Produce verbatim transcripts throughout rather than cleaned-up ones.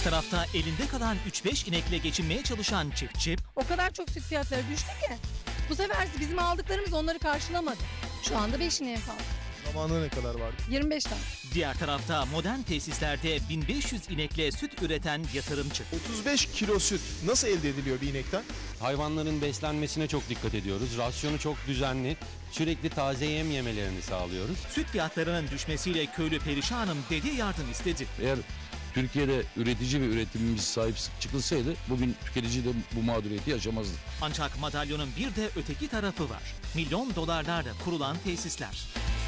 tarafta elinde kalan üç beş inekle geçinmeye çalışan çiftçi, O kadar çok süt fiyatları düştü ki bu sefer bizim aldıklarımız onları karşılamadı. Şu anda beş ineğe kaldı. Zamanında ne kadar vardı? yirmi beş tane. diğer tarafta modern tesislerde bin beş yüz inekle süt üreten yatırımcı. otuz beş kilo süt nasıl elde ediliyor bir inekten? Hayvanların beslenmesine çok dikkat ediyoruz. Rasyonu çok düzenli. Sürekli taze yem yemelerini sağlıyoruz. Süt fiyatlarının düşmesiyle köylü perişanım dedi, yardım istedi. Eğer Türkiye'de üretici ve üretimimiz sahip çıkılsaydı bugün tüketici de bu mağduriyeti yaşamazdı. Ancak madalyonun bir de öteki tarafı var. Milyon dolarlarla kurulan tesisler.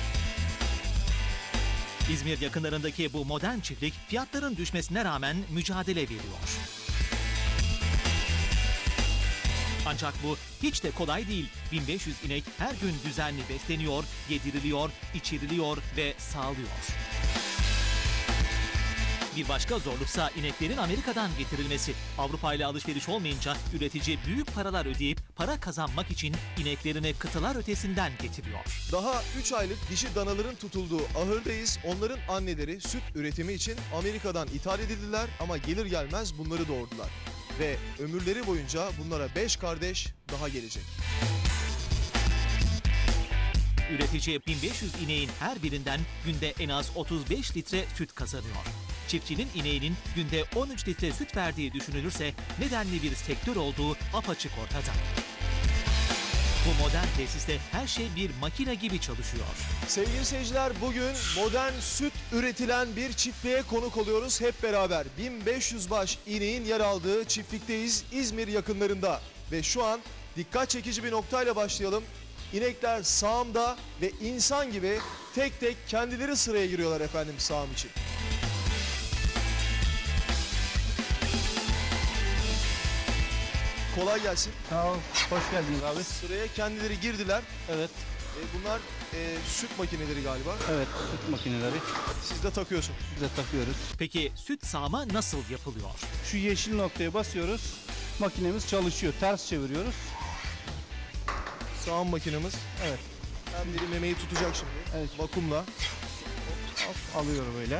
İzmir yakınlarındaki bu modern çiftlik fiyatların düşmesine rağmen mücadele veriyor. Ancak bu hiç de kolay değil. bin beş yüz inek her gün düzenli besleniyor, yediriliyor, içiriliyor ve sağlıyor. Bir başka zorluksa ineklerin Amerika'dan getirilmesi. Avrupa ile alışveriş olmayınca üretici büyük paralar ödeyip para kazanmak için ineklerini kıtalar ötesinden getiriyor. Daha üç aylık dişi danaların tutulduğu ahırdayız. Onların anneleri süt üretimi için Amerika'dan ithal edildiler ama gelir gelmez bunları doğurdular. Ve ömürleri boyunca bunlara beş kardeş daha gelecek. Üretici bin beş yüz ineğin her birinden günde en az otuz beş litre süt kazanıyor. Çiftçinin ineğinin günde on üç litre süt verdiği düşünülürse nedenli bir sektör olduğu apaçık ortada. Bu modern tesiste her şey bir makine gibi çalışıyor. Sevgili seyirciler, bugün modern süt üretilen bir çiftliğe konuk oluyoruz hep beraber. bin beş yüz baş ineğin yer aldığı çiftlikteyiz İzmir yakınlarında. Ve şu an dikkat çekici bir noktayla başlayalım. İnekler sağımda ve insan gibi tek tek kendileri sıraya giriyorlar efendim sağım için. Kolay gelsin. Sağ ol, hoş geldiniz abi. Sıraya kendileri girdiler. Evet, E, bunlar e, süt makineleri galiba. evet süt makineleri Siz de takıyorsun. biz de takıyoruz. Peki süt sağma nasıl yapılıyor? Şu yeşil noktaya basıyoruz, makinemiz çalışıyor. Ters çeviriyoruz. Sağım makinemiz. Evet, Hem biri memeyi tutacak şimdi. Evet. Vakumla. hop, alıyor böyle.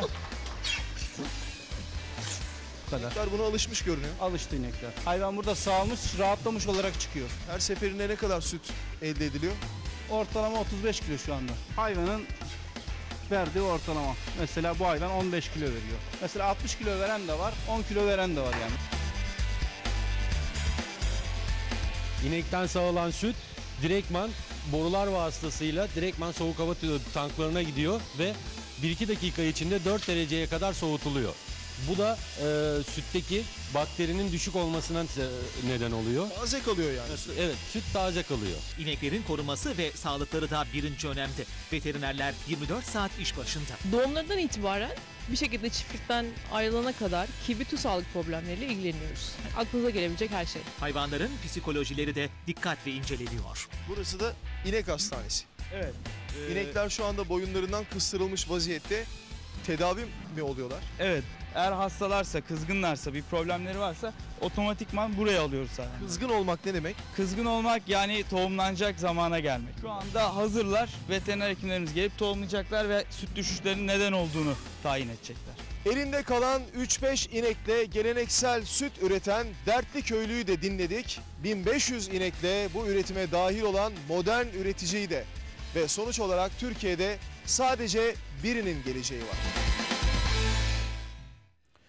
Bu kadar. İnekler buna alışmış görünüyor. Alıştı inekler. Hayvan burada sağılmış, rahatlamış olarak çıkıyor. Her seferinde ne kadar süt elde ediliyor? Ortalama otuz beş kilo şu anda. Hayvanın verdiği ortalama. Mesela bu hayvan on beş kilo veriyor. Mesela altmış kilo veren de var, on kilo veren de var yani. İnekten sağılan süt direktman borular vasıtasıyla direktman soğuk hava tanklarına gidiyor ve bir iki dakika içinde dört dereceye kadar soğutuluyor. Bu da e, sütteki bakterinin düşük olmasına e, neden oluyor. Taze kalıyor yani. Evet, süt taze kalıyor. İneklerin korunması ve sağlıkları da birinci önemde. Veterinerler yirmi dört saat iş başında. Doğumlarından itibaren bir şekilde çiftlikten ayrılana kadar ki bütün sağlık problemleriyle ilgileniyoruz. Aklınıza gelebilecek her şey. Hayvanların psikolojileri de dikkatle inceleniyor. Burası da inek hastanesi. Evet. İnekler şu anda boyunlarından kıstırılmış vaziyette. Tedavi mi oluyorlar? Evet, eğer hastalarsa, kızgınlarsa, bir problemleri varsa otomatikman buraya alıyoruz zaten. Kızgın olmak ne demek? Kızgın olmak yani tohumlanacak zamana gelmek. Şu anda hazırlar, veteriner hekimlerimiz gelip tohumlayacaklar ve süt düşüşlerinin neden olduğunu tayin edecekler. Elinde kalan üç beş inekle geleneksel süt üreten Dertli Köylü'yü de dinledik. bin beş yüz inekle bu üretime dahil olan modern üreticiyi de. Ve sonuç olarak Türkiye'de sadece birinin geleceği var.